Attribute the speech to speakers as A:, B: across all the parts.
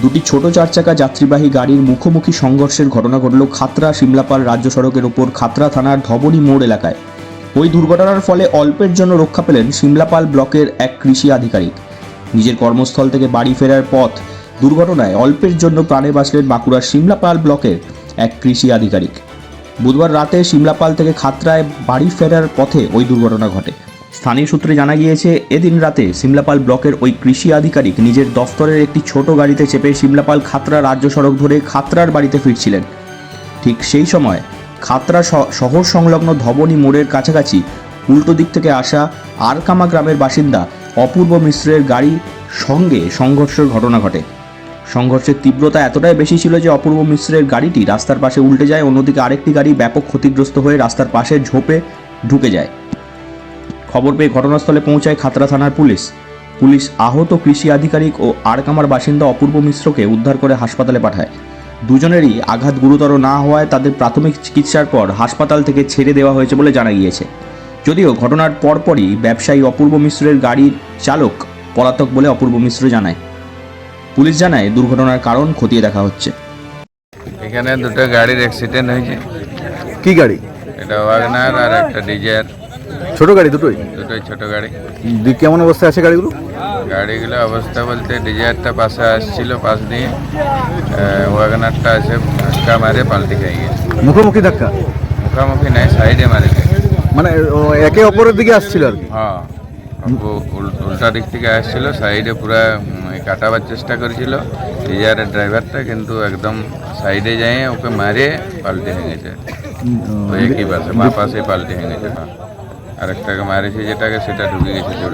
A: দুটি ছোট চারচাকা যাত্রীবাহী গাড়ির মুখোমুখি সংঘর্ষের ঘটনা ঘটল খাতড়া শিমলাপাল রাজ্য সড়কের ওপর খাতড়া থানার ধবনী মোড় এলাকায়। ওই দুর্ঘটনার ফলে অল্পের জন্য রক্ষা পেলেন শিমলাপাল ব্লকের এক কৃষি আধিকারিক। নিজের কর্মস্থল থেকে বাড়ি ফেরার পথ দুর্ঘটনায় অল্পের জন্য প্রাণে বাঁচলেন বাঁকুড়ার শিমলাপাল ব্লকের এক কৃষি আধিকারিক। বুধবার রাতে শিমলাপাল থেকে খাতড়ায় বাড়ি ফেরার পথে ওই দুর্ঘটনা ঘটে। স্থানীয় সূত্রে জানা গিয়েছে, এদিন রাতে শিমলাপাল ব্লকের ওই কৃষি আধিকারিক নিজের দফতরের একটি ছোট গাড়িতে চেপে শিমলাপাল খাতড়া রাজ্য সড়ক ধরে খাতড়ার বাড়িতে ফিরছিলেন। ঠিক সেই সময় খাতড়া শহর সংলগ্ন ধবনী মোড়ের কাছাকাছি উল্টো দিক থেকে আসা আরকামা গ্রামের বাসিন্দা অপূর্ব মিশ্রের গাড়ির সঙ্গে সংঘর্ষের ঘটনা ঘটে। সংঘর্ষের তীব্রতা এতটাই বেশি ছিল যে অপূর্ব মিশ্রের গাড়িটি রাস্তার পাশে উল্টে যায়, অন্যদিকে আরেকটি গাড়ি ব্যাপক ক্ষতিগ্রস্ত হয়ে রাস্তার পাশে ঝোপে ঢুকে যায়। খবর পেয়ে ঘটনাস্থলে পৌঁছায় খাতড়া থানার পুলিশ আহত কৃষি আধিকারিক ও আরকামার বাসিন্দা অপূর্ব মিশ্রকে উদ্ধার করে হাসপাতালে পাঠায়। দুজনেরই আঘাত গুরুতর না হওয়ায় তাদের প্রাথমিক চিকিৎসার পর হাসপাতাল থেকে ছেড়ে দেওয়া হয়েছে বলে জানা গিয়েছে। যদিও ঘটনার পরপরই ব্যবসায়ী অপূর্ব মিশ্রের গাড়ির চালক পলাতক বলে অপূর্ব মিশ্র জানায়। পুলিশ জানায় দুর্ঘটনার কারণ খতিয়ে দেখা হচ্ছে।
B: এখানে দুটো গাড়ির অ্যাক্সিডেন্ট হয়েছে।
C: কি গাড়ি?
B: এটা ওয়াগনার আর একটা ডিজায়ার।
C: ছোট গাড়ি দুটোই
B: ছোট গাড়ি।
C: কেমন অবস্থায় আছে গাড়িগুলো?
B: গাড়িগুলো অবস্থা বলতে ডিজায়ারটা পাশে আসছিল, পাশ দিয়ে ওয়াগনারটা আছে ধাক্কা মারে পাল্টে খেয়ে গেছে।
C: মুখোমুখি ধাক্কা?
B: মুখামুখি নাই, সাইডে মারে গেছে।
C: মানে একে অপরের দিকে আসছিল আর কি?
B: হ্যাঁ, উল্টা দিক থেকে আসছিল, সাইডে পুরা কাটাবার চেষ্টা করেছিল ডিজায়ারের ড্রাইভারটা, কিন্তু একদম সাইডে যায় ওকে মারে পাল্টে হয়ে গেছে। একই পাশে মা পাশে পাল্টে হয়ে গেছে। আরেকটাকে মারেছে যেটাকে, সেটা ঢুকে গেছে জোরে।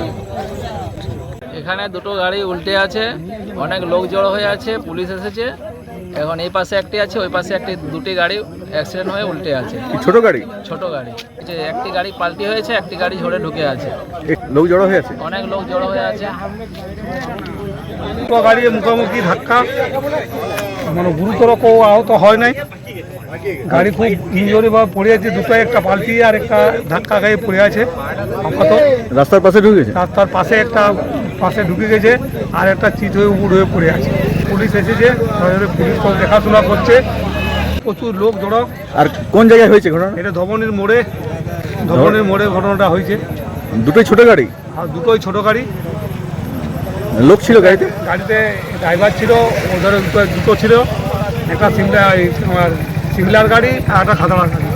D: এখানে দুটো গাড়ি উল্টে আছে, অনেক লোক জড়ো হয়ে আছে, পুলিশ এসেছে। এখন এই পাশে একটি আছে, ওই পাশে একটি, দুটি গাড়ি অ্যাক্সিডেন্ট হয়ে উল্টে আছে।
C: ছোট গাড়ি?
D: ছোট গাড়ি। যে একটি গাড়ি পাল্টি হয়েছে, একটি গাড়ি ঝরে ঢুকে আছে।
C: লোক জড়ো হয়ে আছে?
D: অনেক লোক জড়ো হয়ে আছে।
E: দুটো গাড়ি মুখোমুখি ধাক্কা, মানে গুরুতর কেউ আহত হয় নাই। গাড়ি খুব ইঞ্জুরি বা পড়ে আছে, দুটো, একটা পাল্টি আর একটা ধাক্কা খেয়ে পড়ে আছে আপাতত।
C: রাস্তার পাশে ঢুকে গেছে?
E: রাস্তার পাশে একটা পাশে ঢুকে গেছে, আর একটা চিট হয়ে উপর হয়ে পড়ে আছে। পুলিশ এসেছে, পুলিশ তো দেখাশোনা করছে। প্রচুর লোক জড়ো।
C: আর কোন জায়গায় হয়েছে ঘটনা?
E: এটা ধবনীর মোড়ে ঘটনাটা হয়েছে।
C: দুটোই ছোট গাড়ি?
E: আর দুটোই ছোট গাড়ি।
C: লোক ছিল গাড়িতে?
E: গাড়িতে ড্রাইভার ছিল, ওদের দুটো ছিল, একটা সিমলার গাড়ি আর একটা খাতড়ার গাড়ি।